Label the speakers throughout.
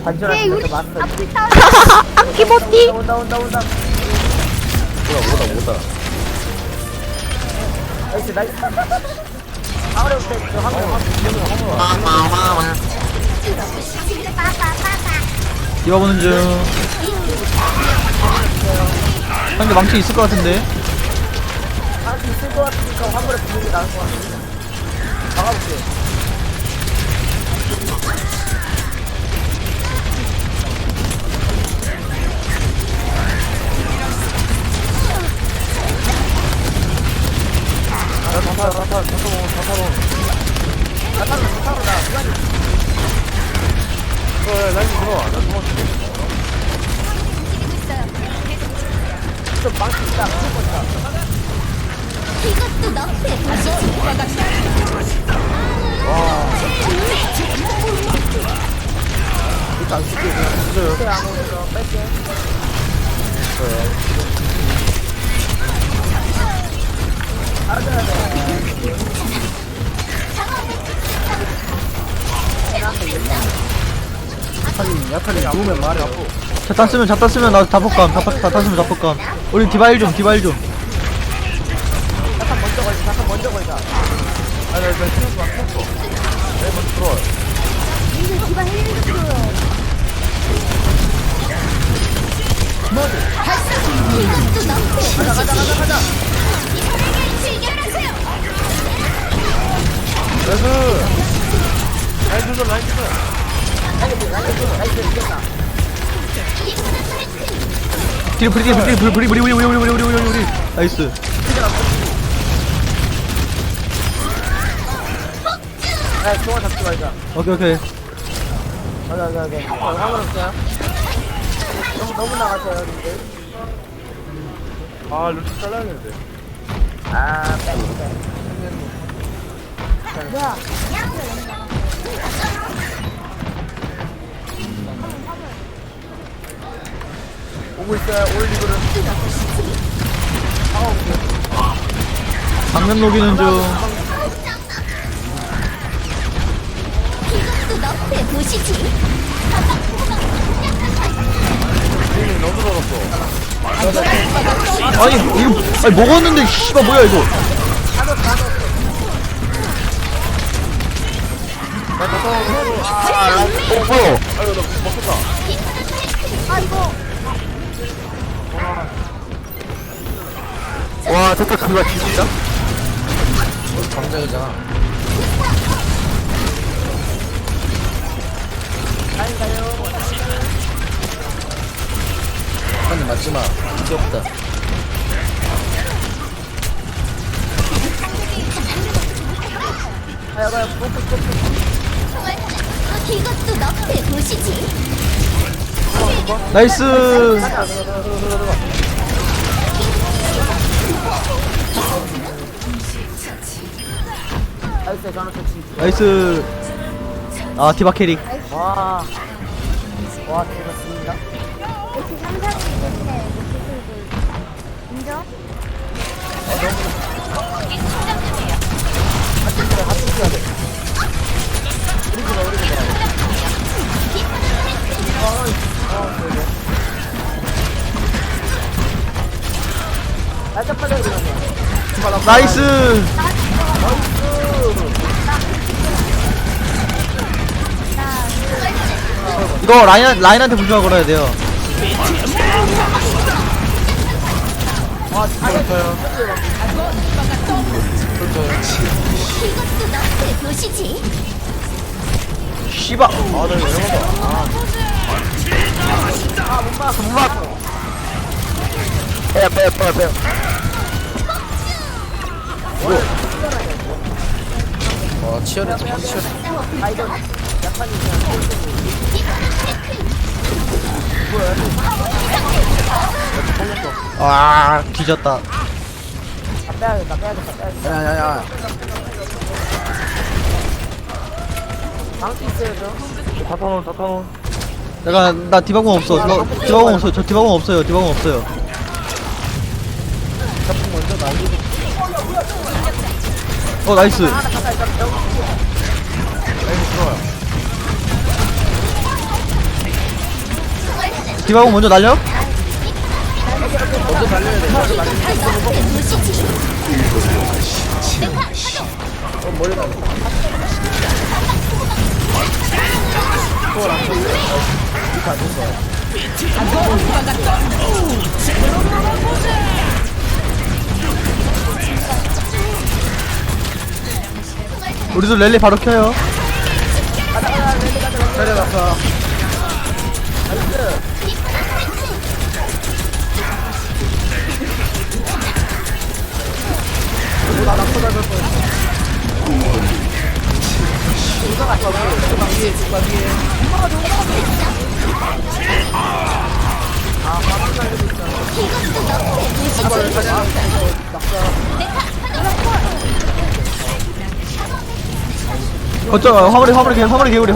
Speaker 1: 반전하는 거 맞어.
Speaker 2: 안기모띠.
Speaker 1: 온다.
Speaker 3: 뭐다.
Speaker 1: 나이스. 화물에 올때 화물.
Speaker 2: 뛰어보는 중. 상대 망치 있을 것 같은데.
Speaker 1: 할수 있을 것 같으니까 화물에 붙는 게 나을 것 같아. 막아볼게. 좀 망치 있다.
Speaker 4: 이것도 너의 도시지.
Speaker 3: 일단 안 쓸게 그냥 던져요.
Speaker 1: 그때 안 오면서 뺄게. 알아줘야 돼.
Speaker 3: 약하니 누우면 말이 아프.
Speaker 2: 자탄 쓰면 나 자폭감. 자탄 쓰면 자폭감. 우리 디바일 좀.
Speaker 1: 잠깐 먼저 걸자.
Speaker 3: 아니 나 키우지 마. 내 먼저 들어와.
Speaker 4: 이제 기반 힐링 줘요. 이것도 너의 도시지.
Speaker 1: 가자.
Speaker 4: 즐겨라세요.
Speaker 3: 라인 주소.
Speaker 1: 나이스 이겼다.
Speaker 2: 브리. 나이스.
Speaker 1: 야, 종아 잡지 말자.
Speaker 2: 오케이.
Speaker 1: 오케이. 화물 없어요? 너무 나갔어요, 근데.
Speaker 3: 아 루트 잘라야겠는데.
Speaker 1: 빼.
Speaker 4: 뭐야?
Speaker 1: 오고 있어요, 올리브를.
Speaker 2: 방면 녹이는 중.
Speaker 4: 이것도 너의 도시지.
Speaker 3: 너무 더럽어.
Speaker 2: 아니 먹었는데 씨발 뭐야 이거.
Speaker 3: 뭐야? 아이고 나 먹혔다. 와 됐다 그거 진짜? 광장이잖아. 아니 맞지마. 귀엽다.
Speaker 1: 가요,
Speaker 4: 이것도 너의 도시지.
Speaker 2: 나이스.
Speaker 1: 나이스, 저는 좋지.
Speaker 2: 나이스. 아 디바 캐릭.
Speaker 1: 와, 대박입니다.
Speaker 4: 이렇게 상상이 있는데 인정?
Speaker 1: 날짜 빨려 이러면.
Speaker 2: 나이스. 이거 라인한테 부조화 걸어야 돼요.
Speaker 4: 이것도 너의 도시지.
Speaker 2: 씨발.
Speaker 3: 아나 이거 이러다.
Speaker 1: 못 막았어. 빼요.
Speaker 3: 와 치열했지.
Speaker 1: 아, 이거 약간이
Speaker 2: 아 뒤졌다.
Speaker 1: 빼야겠다.
Speaker 3: 야야야.
Speaker 1: 방수 있어요, 저.
Speaker 3: 다타논.
Speaker 2: 나 디바공 없어. 디바공 없어요. 저 디바공 없어요.
Speaker 3: 자폭 먼저 날리고.
Speaker 2: 나이스.
Speaker 3: 라인 들어와요.
Speaker 2: 디바공 먼저 날려?
Speaker 3: 먼저 달려야 돼. 먼저 달려야 돼.
Speaker 4: 너의 도시지.
Speaker 3: 머리 나.
Speaker 2: 우리도 랠리 바로 켜요.
Speaker 3: 살려놨어.
Speaker 2: 거점 화물의 개구리.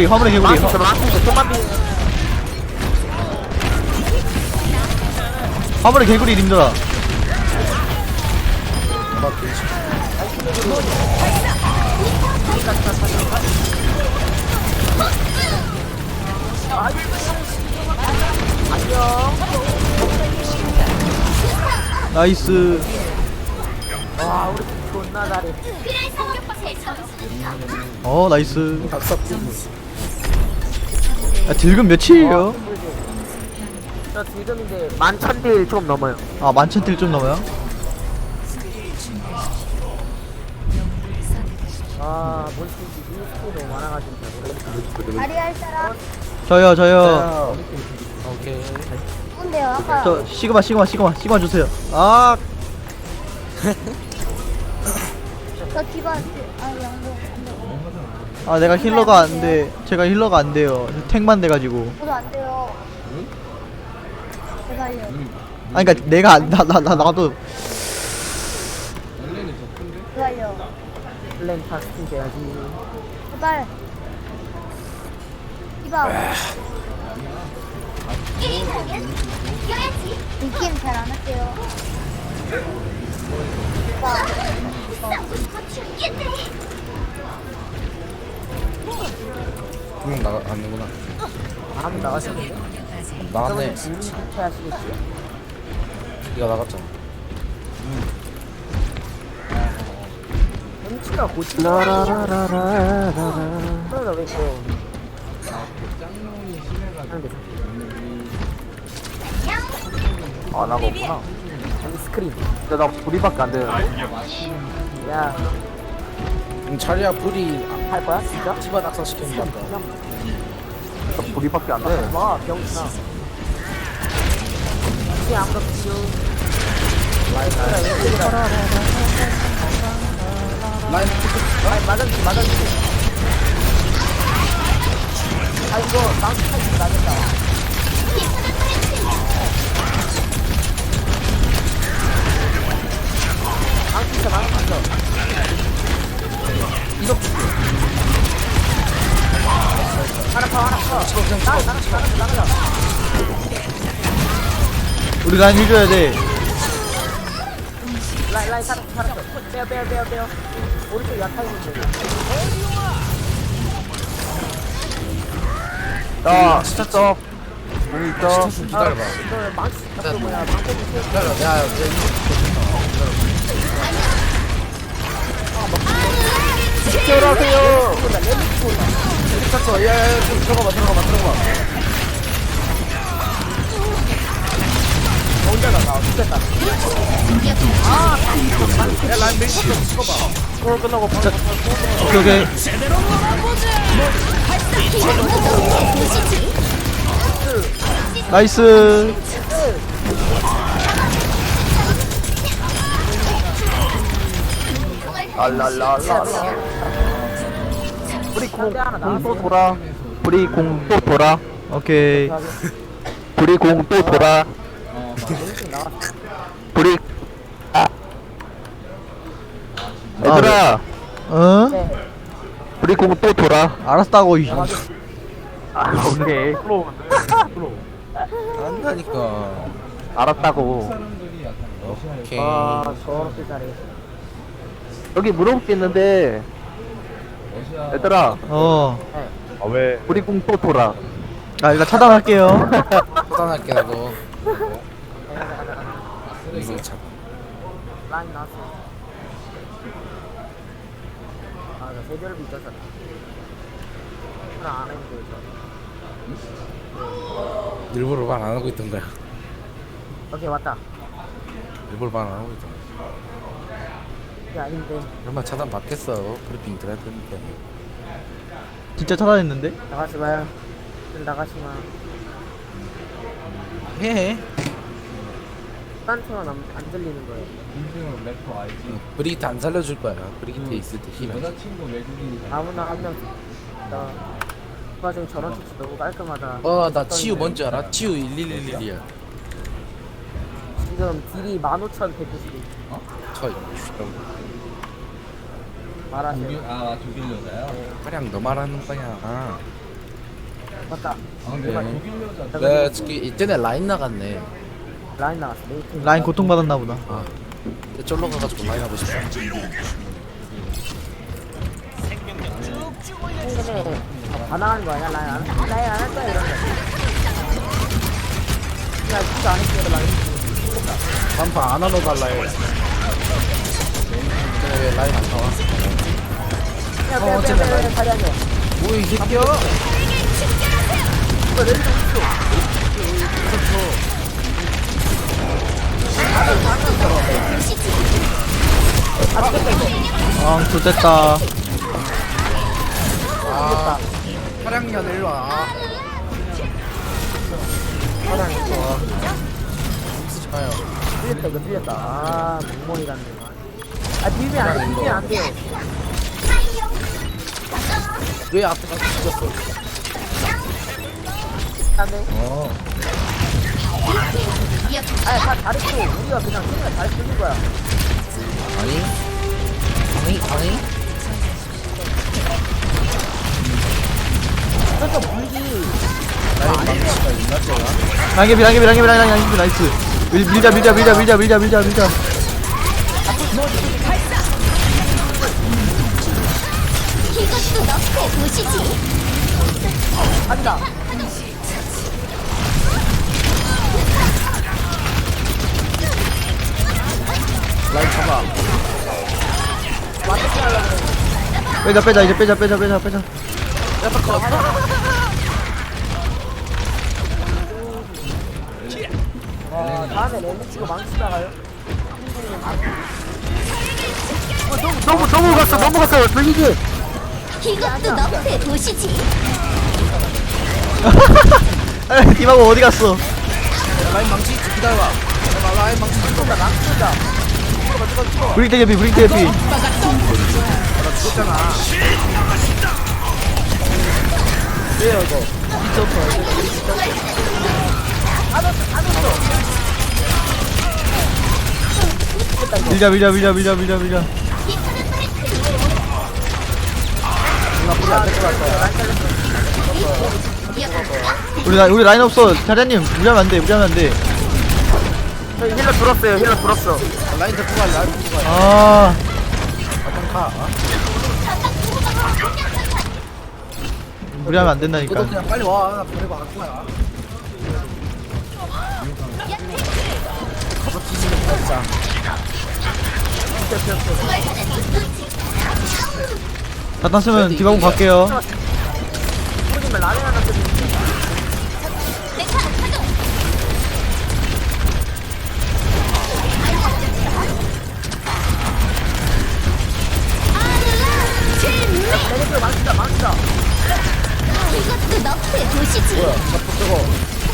Speaker 2: 화물의 개구리 님들아. 나이스.
Speaker 1: 와 우리 존나 잘해.
Speaker 2: 나이스. 야, 딜금 몇이에요?
Speaker 1: 저 지금인데 11,000딜 좀 넘어요.
Speaker 2: 아, 11,000딜 좀 넘어요?
Speaker 1: 아 뭔지 스킬이 너무 많아가지고
Speaker 4: 다리 할 사람?
Speaker 2: 저요.
Speaker 3: 오케이.
Speaker 4: 누군데요? 아까
Speaker 2: 저, 시그마 주세요. 아,
Speaker 4: 저 디바 양보.
Speaker 2: 아, 내가 힐러가 안 돼. 제가 힐러가 안 돼요. 탱만 돼가지고.
Speaker 4: 저도 안 돼요. 제발요.
Speaker 2: 아, 그니까 내가 안, 나도.
Speaker 4: 제발요.
Speaker 1: 플랜타 스킨 돼야지.
Speaker 4: 제발. 디바. 이 게임 잘 안 할게요.
Speaker 3: 두명 나가는구나.
Speaker 1: 아무 나가셨는데?
Speaker 3: 나갔네.
Speaker 1: 그러면 주인 하시겠지?
Speaker 3: 네가 나갔잖아.
Speaker 1: 햄치가 고치나? 그러다 왜 그래요? 아 나가 없구나. 여기 스크린. 근데 나 불이밖에 안 되는데. 야,
Speaker 3: 차리야 불이
Speaker 1: 할 거야 진짜?
Speaker 3: 집안 낙사시키는 건다.
Speaker 1: 나 불이밖에 안 돼. 와 병신아. 이게 아무도 비유.
Speaker 3: 라인
Speaker 1: 맞았지. 아 이거 망치 타기 맞았다. 망치. 이거 하나 더. 나가자.
Speaker 2: 우리 라인 해줘야 돼.
Speaker 1: 라인 살았어. 빼요. 오른쪽 약하 있는데.
Speaker 3: 야 스타트 공이 있다. 기다려봐.
Speaker 1: 이거 망치 잡고 뭐야? 망치
Speaker 3: 기다려. 야
Speaker 1: 들어가세요.
Speaker 3: 스타트. 야야야 들어가봐.
Speaker 1: 혼자다 나 죽겠다.
Speaker 3: 야 라인 메인 탑 찍어봐.
Speaker 1: 스코어 끝나고 바로
Speaker 2: 오케이. 나이스.
Speaker 1: 랄랄랄라. 우리 공또 돌아.
Speaker 2: 우리 공 또 돌아. 오케이. 우리 공 또 돌아. 우리 얘들아. 어?
Speaker 1: 네.
Speaker 2: 우리 공 또 돌아. 알았다고. 이.
Speaker 1: 오케이.
Speaker 3: 안다니까.
Speaker 2: 알았다고.
Speaker 3: 오케이.
Speaker 1: 아 저렇게 잘해.
Speaker 2: 여기 물어볼 게 있는데. 얘들아.
Speaker 3: 아 왜?
Speaker 2: 우리 공 또 돌아. 아 일단 차단할게요.
Speaker 3: 차단할게 나도. 이거 참.
Speaker 1: 라인 나왔어. 아, 나 세별비 있었잖아. 하나 안 했는데, 저.
Speaker 3: 일부러 말 안 하고 있던 거야.
Speaker 1: 오케이, 왔다.
Speaker 3: 일부러 말 안 하고 있던 거야.
Speaker 1: 이게 아닌데.
Speaker 3: 얼마 차단 받겠어. 브리핑 들어야 되니까.
Speaker 2: 진짜 차단했는데?
Speaker 1: 나가지 마요. 좀 나가지 마.
Speaker 3: 해.
Speaker 1: 딴청은 안 들리는 거예요.
Speaker 5: 인생으로 래퍼 알지?
Speaker 3: 브리기트 안 살려줄 거야. 브리기트 있을 때 힘.
Speaker 5: 여자친구 외국인이잖아.
Speaker 1: 아무나 한 명. 나. 그 와중에 저런 touch 너무 깔끔하다.
Speaker 3: 나 치유 뭔지 알아? 치유 1111이야.
Speaker 1: 지금 딜이 15,190.
Speaker 3: 저
Speaker 1: 말하세요.
Speaker 5: 독일 여자야?
Speaker 3: 그냥 너 말하는 거야.
Speaker 1: 맞다.
Speaker 5: 아 근데 독일 여자
Speaker 3: 네, 저기 이때는 라인 나갔네.
Speaker 1: 라인 나왔어. 메이트.
Speaker 2: 라인 고통받았나 보다.
Speaker 3: 아, 쫄러 가가지고 라인 하고 싶어.
Speaker 1: 생전에 반항하는 거 아니야? 라인 안 할 거야, 이런 거. 야, 진짜 안 했어, 라인.
Speaker 3: 반파 안 하러 갈라 해. 왜 라인 안 나와?
Speaker 1: 야, 빼, 다리 안 돼.
Speaker 3: 뭐이 새끼야?
Speaker 1: 이거 렌즈 있어.
Speaker 2: 아 좋됐다.
Speaker 3: 아, 차량년 일로 와. 차량 일로 와. 가요.
Speaker 1: 틀렸다, 이거 틀렸다. 아, 멍멍이 같네. 아, 비비면 안 돼, 비비면 안 돼.
Speaker 3: 왜 앞에 가서 죽었어?
Speaker 1: 안 돼. 아니, 다 잘했어. 우리가 그냥 생각 잘 쓰는 거야.
Speaker 3: 아니? 아니?
Speaker 1: 그래서 물기.
Speaker 3: 나의 망치가 있나 쟤가?
Speaker 2: 랑개비 나이스. 밀자.
Speaker 4: 이것도 너의 도시지.
Speaker 1: 간다.
Speaker 3: 라인 잡아.
Speaker 1: 완전 하려고 그래.
Speaker 2: 빼자 이제 빼자.
Speaker 3: 야타 컷.
Speaker 1: 다음에 렌즈 치고 망치다가요. 넘어갔어. 돌리기.
Speaker 4: 이것도 너의 도시지.
Speaker 2: 디바고 어디 갔어?
Speaker 3: 라인 망치 있지 기다려봐. 잠깐만, 라인 망치 좀
Speaker 1: 나 망치다.
Speaker 2: 브릭 대피.
Speaker 3: 나 죽었잖아. 왜요 이거?
Speaker 2: 밀자. 우리 라인 없어. 자리님 무리하면 안 돼.
Speaker 1: 저희 힐러 들었어.
Speaker 3: 라인 데리고 가. 라인 데리고 가.
Speaker 2: 아
Speaker 3: 좀 가.
Speaker 2: 무리하면 안
Speaker 3: 너도
Speaker 2: 된다니까.
Speaker 3: 그냥 빨리 와. 나 버리고 갈 거야. 가서 뒤지면 진짜.
Speaker 2: 다 땄으면 디바고 갈게요.
Speaker 1: 모르지만 라면 하나 끓이면 렌즈 망치다.
Speaker 4: 이것도 너의 도시지.
Speaker 3: 뭐야? 자꾸 저거.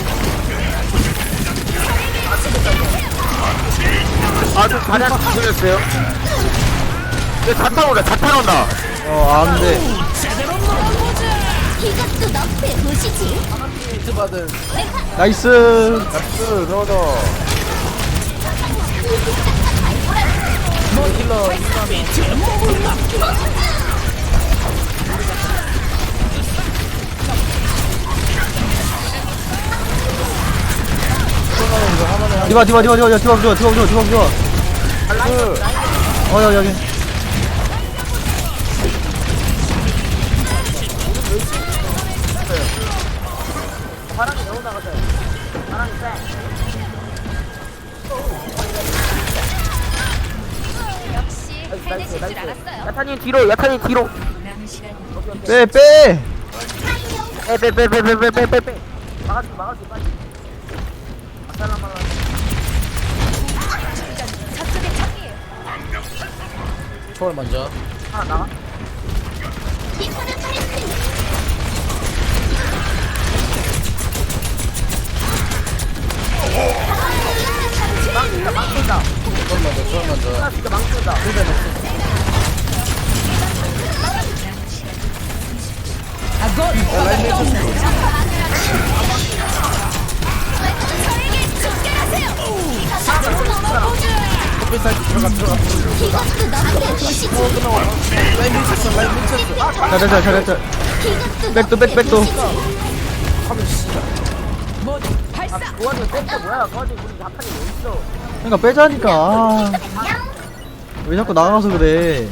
Speaker 1: 아, 저 다리 하나 들렸어요. 얘 자탄 온다.
Speaker 2: 안 돼.
Speaker 4: 이것도 너의 도시지.
Speaker 3: 히트 받은.
Speaker 2: 나이스.
Speaker 3: 나이스, 넣어줘. 힐러.
Speaker 2: 디바 좋아. 여기.
Speaker 1: 바람이 너무 나가져요. 바람이 쎄.
Speaker 4: 역시
Speaker 1: 나이스, 나이스. 야타님 뒤로, 야타님 뒤로.
Speaker 2: 빼 빼.
Speaker 1: 빼. 막아줄게, 빨리. 아살라말라.
Speaker 4: 저쪽에 적이에요.
Speaker 3: 초월 먼저.
Speaker 1: 하나 나가.
Speaker 4: 이거는 파이팅.
Speaker 1: 망친다.
Speaker 3: 초월 먼저.
Speaker 1: 나 진짜 망친다.
Speaker 4: 이것도 너프의 도시지.
Speaker 2: 잘했다 잘했다. 백도 백도.
Speaker 1: 도와줘, 뺐다, 뭐야. 거기 우리 야타님 어딨어.
Speaker 2: 그러니까 빼자니까. 왜 자꾸 나가서 그래.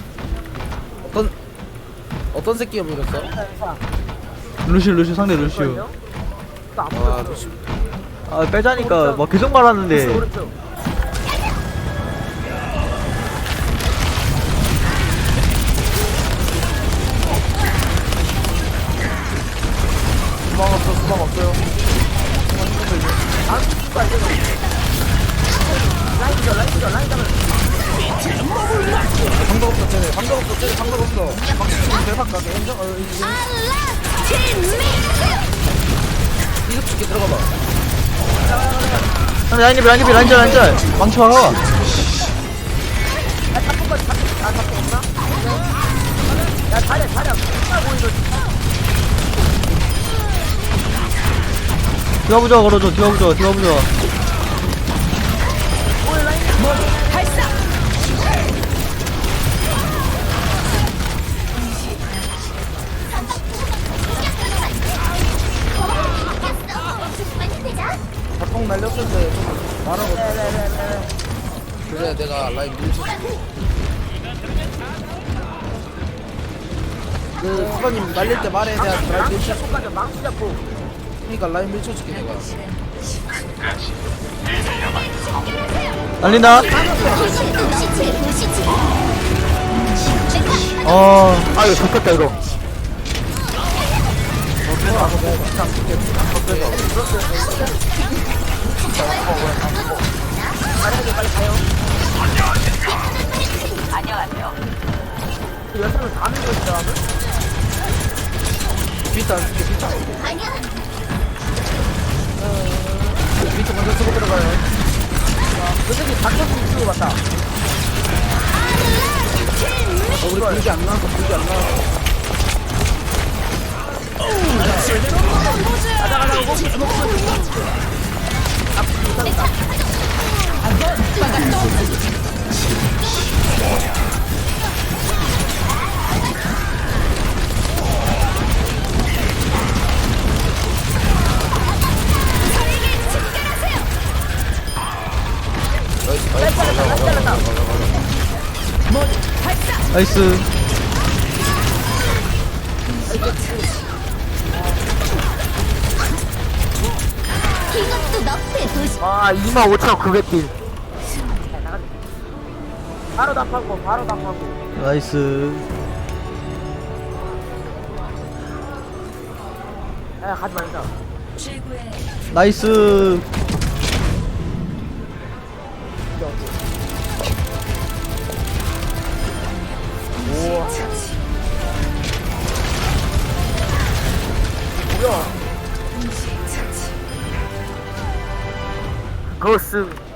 Speaker 3: 어떤 새끼가 물었어?
Speaker 2: 루시우 상대 루시우.
Speaker 3: 아 루시.
Speaker 2: 아 빼자니까 막 계속 말하는데.
Speaker 1: 오른쪽.
Speaker 3: 수방 없어요.
Speaker 1: 라인 잡아.
Speaker 3: 방법 없어 쟤네. 방법 없어. 방법 대박 가게 인정. 이거 죽게 들어가봐.
Speaker 2: 라인짤 망쳐.
Speaker 1: 야, 자리야. 정말 보이는
Speaker 2: 디와부자 걸어줘 디와부자.
Speaker 3: 자폭 날렸을 때좀 말하고. 그래 내가 라인 밀쳐줄게. 그 수반님 날릴 때 말해 내가 라인 밀쳐줄게.
Speaker 1: 손까지 망치 잡고.
Speaker 3: 그러니까 라인 밀쳐줄게 내가.
Speaker 2: 날린다.
Speaker 4: 이것도 너프의 도시지.
Speaker 1: 아, 이거 좋겠다, 이거. 빨리 가요. 안녕하세요. 여성을 다 밀고 있어.
Speaker 3: 비트 안 쓸게 비트 안 쓸게.
Speaker 4: 아니야.
Speaker 3: 비트 먼저 쓰고 들어가요.
Speaker 1: 그 새끼 닥쳐서 이쪽으로 갔다.
Speaker 3: 우리 불기 안 나와서 불기 안 나와서.
Speaker 2: 나이스.
Speaker 4: 이것도 너프의 도시.
Speaker 1: 아, 25,900딜. 바로 답하고.
Speaker 2: 나이스.
Speaker 1: 야, 가지 말자.
Speaker 2: 나이스.
Speaker 1: 고스.